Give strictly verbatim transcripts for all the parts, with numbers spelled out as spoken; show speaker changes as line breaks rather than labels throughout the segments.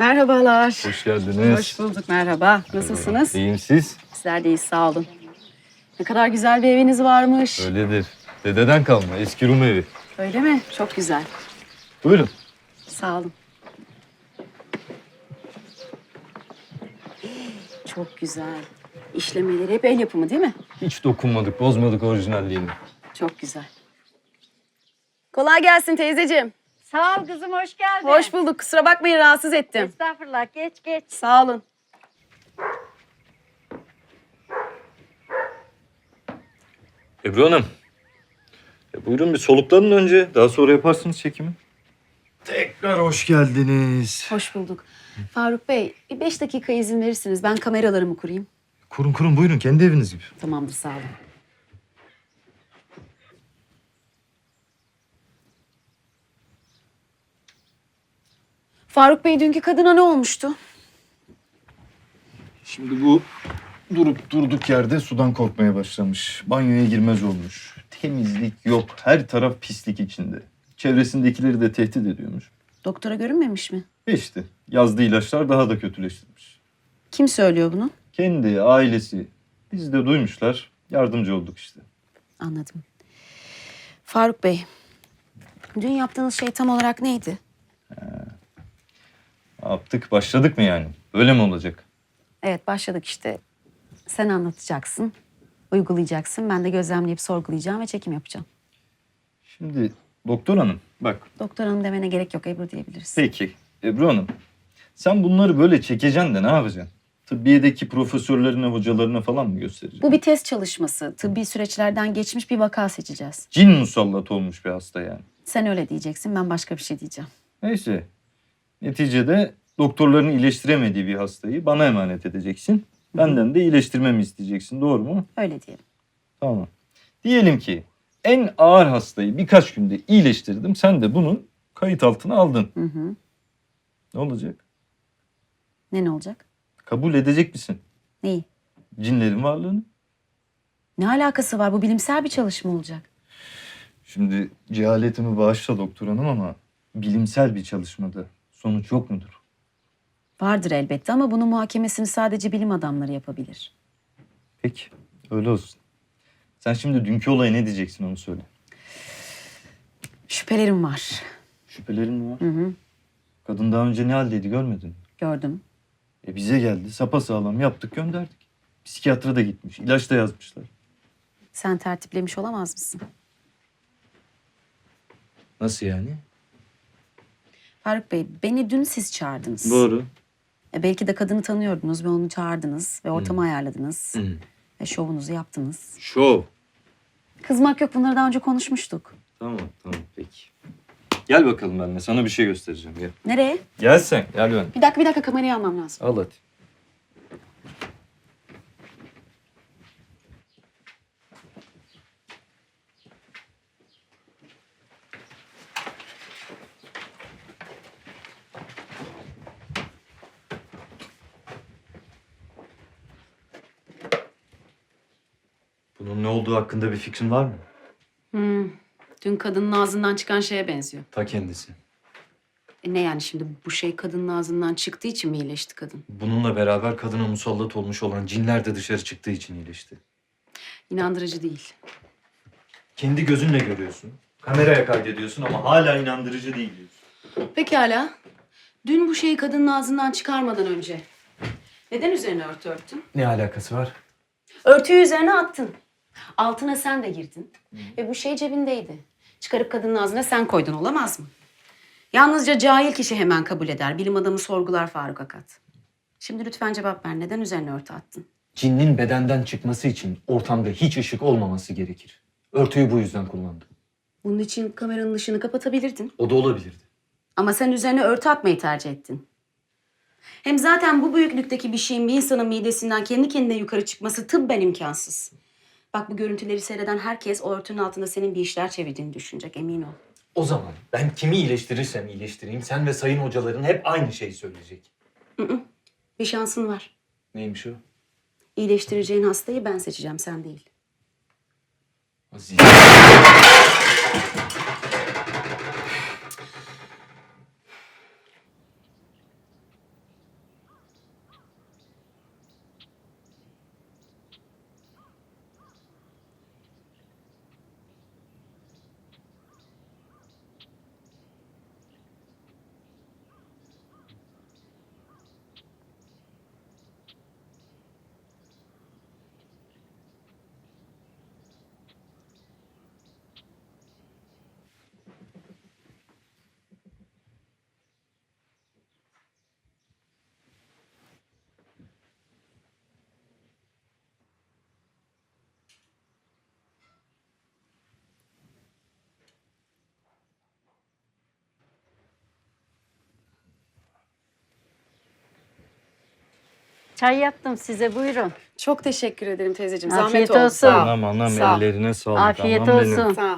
Merhabalar.
Hoş geldiniz.
Hoş bulduk, merhaba. Nasılsınız?
İyiyim siz?
Sizler de iyi, sağ olun. Ne kadar güzel bir eviniz varmış.
Öyledir. Dededen kalma eski Rum evi.
Öyle mi? Çok güzel.
Buyurun.
Sağ olun. Çok güzel. İşlemeleri hep el yapımı değil mi?
Hiç dokunmadık, bozmadık orijinalliğini.
Çok güzel. Kolay gelsin teyzeciğim.
Sağ ol kızım, hoş geldin.
Hoş bulduk. Kusura bakmayın rahatsız ettim.
Estağfurullah, geç geç.
Sağ olun.
Ebru Hanım. E, buyurun bir soluklanın önce. Daha sonra yaparsınız çekimi. Tekrar hoş geldiniz.
Hoş bulduk. Faruk Bey, bir beş dakika izin verirsiniz. Ben kameralarımı kurayım.
Kurun kurun buyurun kendi eviniz gibi.
Tamamdır, sağ olun. Faruk Bey, dünkü kadına ne olmuştu?
Şimdi bu durup durduk yerde sudan korkmaya başlamış. Banyoya girmez olmuş. Temizlik yok. Her taraf pislik içinde. Çevresindekileri de tehdit ediyormuş.
Doktora görünmemiş mi?
Ve işte yazdığı ilaçlar daha da kötüleştirmiş.
Kim söylüyor bunu?
Kendi, ailesi. Biz de duymuşlar. Yardımcı olduk işte.
Anladım. Faruk Bey, dün yaptığınız şey tam olarak neydi?
Ne yaptık? Başladık mı yani? Öyle mi olacak?
Evet, başladık işte. Sen anlatacaksın, uygulayacaksın. Ben de gözlemleyip sorgulayacağım ve çekim yapacağım.
Şimdi doktor hanım bak.
Doktor hanım demene gerek yok, Ebru diyebiliriz.
Peki Ebru hanım. Sen bunları böyle çekeceksin de ne yapacaksın? Tıbbiyedeki profesörlerine, hocalarına falan mı göstereceksin?
Bu bir test çalışması. Tıbbi süreçlerden geçmiş bir vaka seçeceğiz.
Cin musallat olmuş bir hasta yani.
Sen öyle diyeceksin, ben başka bir şey diyeceğim.
Neyse. Neticede doktorların iyileştiremediği bir hastayı bana emanet edeceksin. Benden de iyileştirmemi isteyeceksin. Doğru mu?
Öyle diyelim.
Tamam. Diyelim ki en ağır hastayı birkaç günde iyileştirdim. Sen de bunu kayıt altına aldın.
Hı hı.
Ne olacak?
Ne ne olacak?
Kabul edecek misin
Neyi?
cinlerin varlığını?
Ne alakası var? Bu bilimsel bir çalışma olacak.
Şimdi cehaletimi bağışla doktor hanım ama bilimsel bir çalışmada sonuç yok mudur?
Vardır elbette ama bunun muhakemesini sadece bilim adamları yapabilir.
Peki öyle olsun. Sen şimdi dünkü olaya ne diyeceksin onu söyle.
Şüphelerim var.
Şüphelerin mi var?
Hı hı.
Kadın daha önce ne haldeydi görmedin mi?
Gördüm.
E bize geldi sapasağlam yaptık gönderdik. Psikiyatra da gitmiş ilaç da yazmışlar.
Sen tertiplemiş olamaz mısın?
Nasıl yani?
Faruk Bey, beni dün siz çağırdınız.
Doğru.
E belki de kadını tanıyordunuz ve onu çağırdınız ve ortamı ayarladınız.
Hı.
Ve şovunuzu yaptınız.
Şov.
Kızmak yok, bunları daha önce konuşmuştuk.
Tamam tamam peki. Gel bakalım benimle sana bir şey göstereceğim gel.
Nereye?
Gel sen gel ben.
Bir dakika bir dakika kamerayı almam lazım.
Al hadi.
Bunun ne olduğu hakkında bir fikrin var mı?
Hmm. Dün kadının ağzından çıkan şeye benziyor.
Ta kendisi.
E ne yani şimdi bu şey kadının ağzından çıktığı için mi iyileşti kadın?
Bununla beraber kadına musallat olmuş olan cinler de dışarı çıktığı için iyileşti.
İnandırıcı değil.
Kendi gözünle görüyorsun. Kameraya kaydediyorsun ama hala inandırıcı değil diyorsun.
Pekala. Dün bu şeyi kadının ağzından çıkarmadan önce neden üzerine örtü örttün?
Ne alakası var?
Örtüyü üzerine attın. Altına sen de girdin. Ve bu şey cebindeydi. Çıkarıp kadının ağzına sen koydun, olamaz mı? Yalnızca cahil kişi hemen kabul eder. Bilim adamı sorgular Faruk Akat. Şimdi lütfen cevap ver. Neden üzerine örtü attın?
Cinnin bedenden çıkması için ortamda hiç ışık olmaması gerekir. Örtüyü bu yüzden kullandım.
Bunun için kameranın ışığını kapatabilirdin.
O da olabilirdi.
Ama sen üzerine örtü atmayı tercih ettin. Hem zaten bu büyüklükteki bir şeyin bir insanın midesinden kendi kendine yukarı çıkması tıbben imkansız. Bak bu görüntüleri seyreden herkes o örtünün altında senin bir işler çevirdiğini düşünecek, emin ol.
O zaman ben kimi iyileştirirsem iyileştireyim sen ve sayın hocaların hep aynı şeyi söyleyecek.
Hı hı. Bir şansın var.
Neymiş o?
İyileştireceğin hastayı ben seçeceğim, sen değil.
Aziz.
çay yaptım size buyurun.
Çok teşekkür ederim teyzeciğim.
Afiyet
Zahmet oldu.
olsun.
Sağ ol.
Anam anam
Sağ ol.
ellerine sağlık.
Afiyet
anam benim.
olsun.
Sağ ol.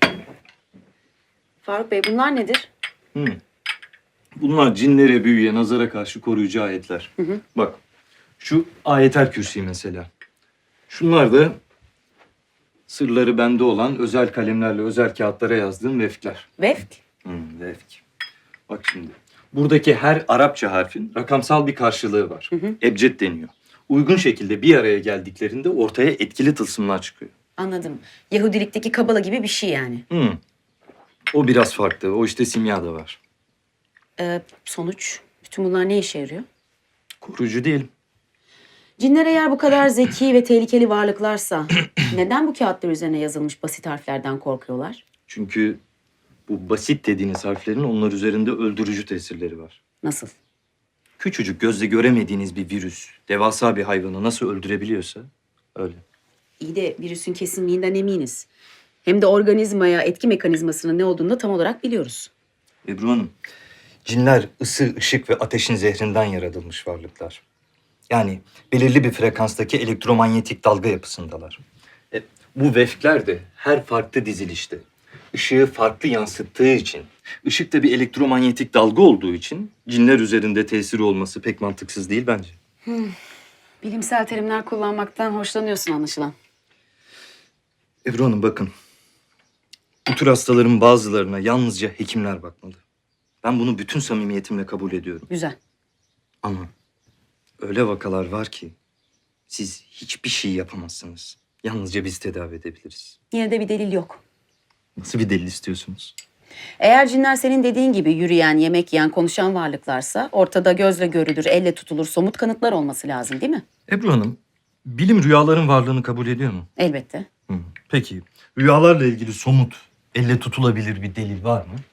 Faruk Bey bunlar nedir?
Hı. Bunlar cinlere, büyüye, nazara karşı koruyucu ayetler.
hı.
Bak şu ayetel kürsi mesela. Şunlar da sırları bende olan özel kalemlerle özel kağıtlara yazdığım vefkler.
Vefk.
Hı, vefk. Bak şimdi. Buradaki her Arapça harfin rakamsal bir karşılığı var. Ebced deniyor. Uygun şekilde bir araya geldiklerinde ortaya etkili tılsımlar çıkıyor.
Anladım. Yahudilikteki kabala gibi bir şey yani.
Hı. O biraz farklı. O işte simya da var.
Ee, sonuç. Bütün bunlar ne işe yarıyor?
Koruyucu değil.
Cinler eğer bu kadar zeki ve tehlikeli varlıklarsa neden bu kağıtlar üzerine yazılmış basit harflerden korkuyorlar?
Çünkü bu basit dediğiniz harflerin onlar üzerinde öldürücü tesirleri var.
Nasıl?
Küçücük gözle göremediğiniz bir virüs, devasa bir hayvanı nasıl öldürebiliyorsa öyle.
İyi de virüsün kesinliğinden eminiz. Hem de organizmaya etki mekanizmasının ne olduğunu da tam olarak biliyoruz.
Ebru Hanım, cinler ısı, ışık ve ateşin zehrinden yaratılmış varlıklar. Yani belirli bir frekanstaki elektromanyetik dalga yapısındalar. E, bu vefkler de her farklı dizilişte ışığı farklı yansıttığı için, ışık da bir elektromanyetik dalga olduğu için cinler üzerinde tesiri olması pek mantıksız değil bence.
Bilimsel terimler kullanmaktan hoşlanıyorsun anlaşılan.
Ebru Hanım bakın. Bu tür hastaların bazılarına yalnızca hekimler bakmalı. Ben bunu bütün samimiyetimle kabul ediyorum.
Güzel.
Ama öyle vakalar var ki siz hiçbir şey yapamazsınız. Yalnızca biz tedavi edebiliriz.
Yine de bir delil yok.
Nasıl bir delil istiyorsunuz?
Eğer cinler senin dediğin gibi yürüyen, yemek yiyen, konuşan varlıklarsa ortada gözle görülür, elle tutulur somut kanıtlar olması lazım değil mi?
Ebru Hanım, bilim rüyaların varlığını kabul ediyor mu?
Elbette.
Hı. Peki, rüyalarla ilgili somut, elle tutulabilir bir delil var mı?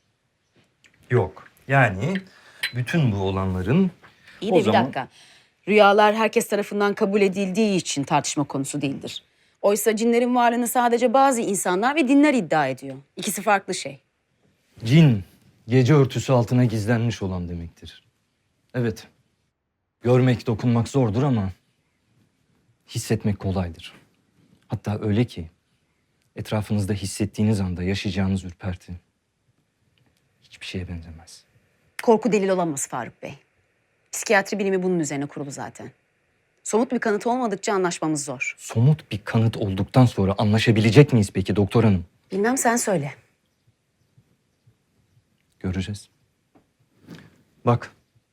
Yok. Yani bütün bu olanların
İyi de
o
bir
zaman...
dakika. Rüyalar herkes tarafından kabul edildiği için tartışma konusu değildir. Oysa cinlerin varlığını sadece bazı insanlar ve dinler iddia ediyor. İkisi farklı şey.
Cin, gece örtüsü altına gizlenmiş olan demektir. Evet, görmek, dokunmak zordur ama hissetmek kolaydır. Hatta öyle ki etrafınızda hissettiğiniz anda yaşayacağınız ürperti hiçbir şeye benzemez.
Korku delil olamaz Faruk Bey. Psikiyatri bilimi bunun üzerine kurulu zaten. Somut bir kanıt olmadıkça anlaşmamız zor.
Somut bir kanıt olduktan sonra anlaşabilecek miyiz peki doktor hanım?
Bilmem sen söyle.
Göreceğiz. Bak.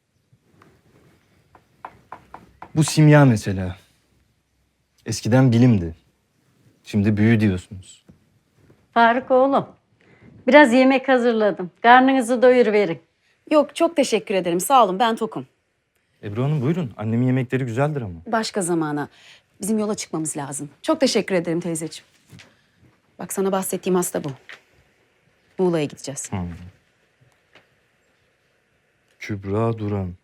Bu simya mesela. Eskiden bilimdi. Şimdi büyü diyorsunuz.
Faruk oğlum. Biraz yemek hazırladım. Karnınızı doyuruverin.
Yok çok teşekkür ederim sağ olun ben tokum.
Ebru Hanım buyurun. Annemin yemekleri güzeldir ama.
Başka zamana. Bizim yola çıkmamız lazım. Çok teşekkür ederim teyzeciğim. Bak sana bahsettiğim hasta bu. Muğla'ya gideceğiz.
Kübra Duran.